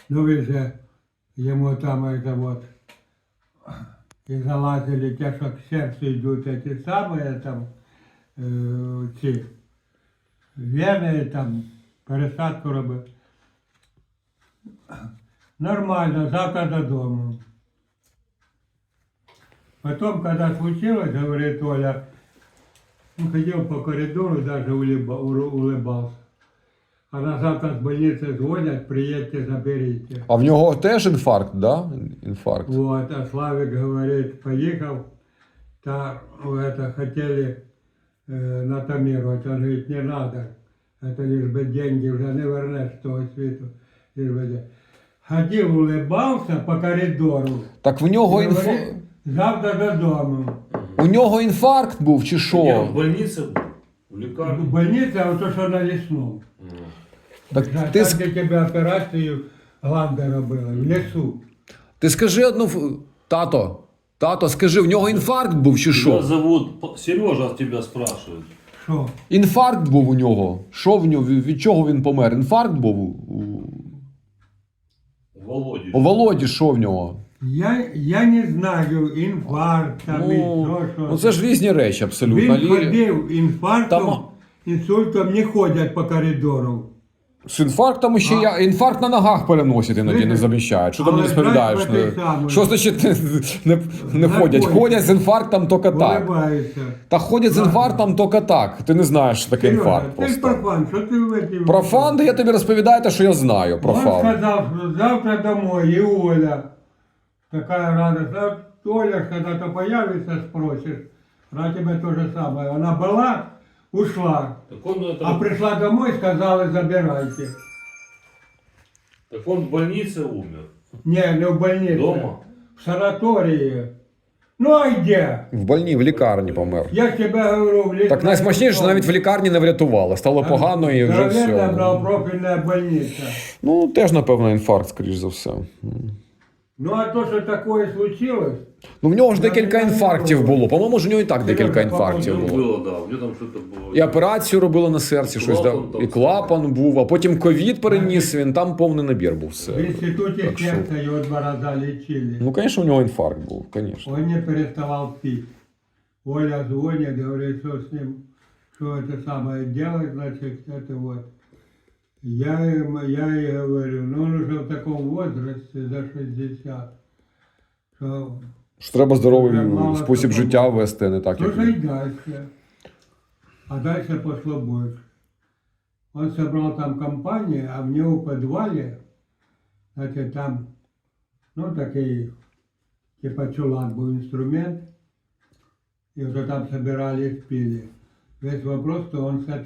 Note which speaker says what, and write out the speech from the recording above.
Speaker 1: Ну вы же ему там это вот и залазили те, что к сердцу идут эти самые там ці вени, там пересадку робив. Нормально, завтра додому. Потом, когда случилось, говорит Оля, он ходил по коридору, даже улыбался. А на завтра с больницы звонят, приедьте, заберите.
Speaker 2: А в нього теж інфаркт, да? Інфаркт.
Speaker 1: Вот, а Славик говорит, поехал, то это хотели натомировать. Он говорит, не надо, это лишь бы деньги уже не вернешь с того світу. Лишь бы деньги. Ходил, улыбался по коридору.
Speaker 2: Так в нього
Speaker 1: Говорит, завтра додому.
Speaker 2: У нього інфаркт був чи
Speaker 3: Я
Speaker 2: що?
Speaker 3: в больнице был, в лекарне.
Speaker 1: Больниця, а то, що на лісному.
Speaker 2: Так
Speaker 1: Там,
Speaker 2: ти,
Speaker 1: де тебе операцію гланди робили, в лісу.
Speaker 2: ти скажи тато, скажи, в нього інфаркт був чи
Speaker 3: Тебя
Speaker 2: що?
Speaker 3: зовут Сережа, тебя спрашивают.
Speaker 1: Що?
Speaker 2: Інфаркт був у нього. Що в нього? Від чого він помер? Інфаркт був
Speaker 3: Володя.
Speaker 2: у Володі, що в нього?
Speaker 1: Я не знаю, інфаркт там і що.
Speaker 2: Ну це ж різні речі абсолютно.
Speaker 1: Він ходив інфарктом,
Speaker 2: Там-
Speaker 1: інсультом не ходять по коридору.
Speaker 2: З інфарктом ще інфаркт на ногах переносять іноді не заміщають. Що ти мені
Speaker 1: Але
Speaker 2: розповідаєш?
Speaker 1: знаєш, по той самій.
Speaker 2: Що значить не ходять? Ходять з інфарктом тільки так.
Speaker 1: Улыбається.
Speaker 2: Та ходять з інфарктом тільки так. Ти не знаєш, що таке
Speaker 1: Сережа,
Speaker 2: інфаркт
Speaker 1: ти ж
Speaker 2: просто.
Speaker 1: профан, що ти в эти...
Speaker 2: Профан, да я тобі розповідаю те, що я знаю про
Speaker 1: Он
Speaker 2: фан.
Speaker 1: сказал, что завтра домой, и Оля. Такая радость. А Оля, когда-то появится, спросишь. Она тебе то же самое. Она была, ушла.
Speaker 3: Так он, это,
Speaker 1: А пришла домой, сказали, забирайте.
Speaker 3: так он в больнице умер.
Speaker 1: Не в больнице.
Speaker 3: Дома?
Speaker 1: В санатории. Ну а где?
Speaker 2: В лікарні помер.
Speaker 1: Я ж тебе говорю, в лікарні.
Speaker 2: Так найсмачніше, що навіть в лікарні не врятували. Стало погано і вже
Speaker 1: Здоровенна
Speaker 2: все.
Speaker 1: многопрофільна больниця.
Speaker 2: Ну, теж, напевно, інфаркт, скоріш за все.
Speaker 1: Ну а то, що таке случилось,
Speaker 2: Ну, в нього ж декілька інфарктів було. По-моєму, ж у нього і так декілька інфарктів
Speaker 3: Ну,
Speaker 2: було.
Speaker 3: было, да, у него там что-то было.
Speaker 2: І операцію робили на серці, щось
Speaker 3: Клапан
Speaker 2: там.
Speaker 3: там
Speaker 2: І клапан був, а потім ковід переніс він, там повний набір був
Speaker 1: в
Speaker 2: все.
Speaker 1: інституті
Speaker 2: Так що-
Speaker 1: серця його 2 рази лічили.
Speaker 2: Ну, звісно, у нього інфаркт був, звісно.
Speaker 1: Он не переставал пить. Оля звонит, говорит, что с ним, что это самое делать, значит, это вот. Я ей говорю, ну он уже в таком возрасте, за 60, что
Speaker 2: Що треба здоровий
Speaker 1: Мало
Speaker 2: спосіб
Speaker 1: такого.
Speaker 2: життя вести, а не так, як
Speaker 1: нужно
Speaker 2: він.
Speaker 1: и дальше. А дальше пошло больше. Он собрал там компанию, а в него в подвале, значит, там, ну, такой, типа чулан был инструмент, и уже там собирались, пили. Весь вопрос, что он с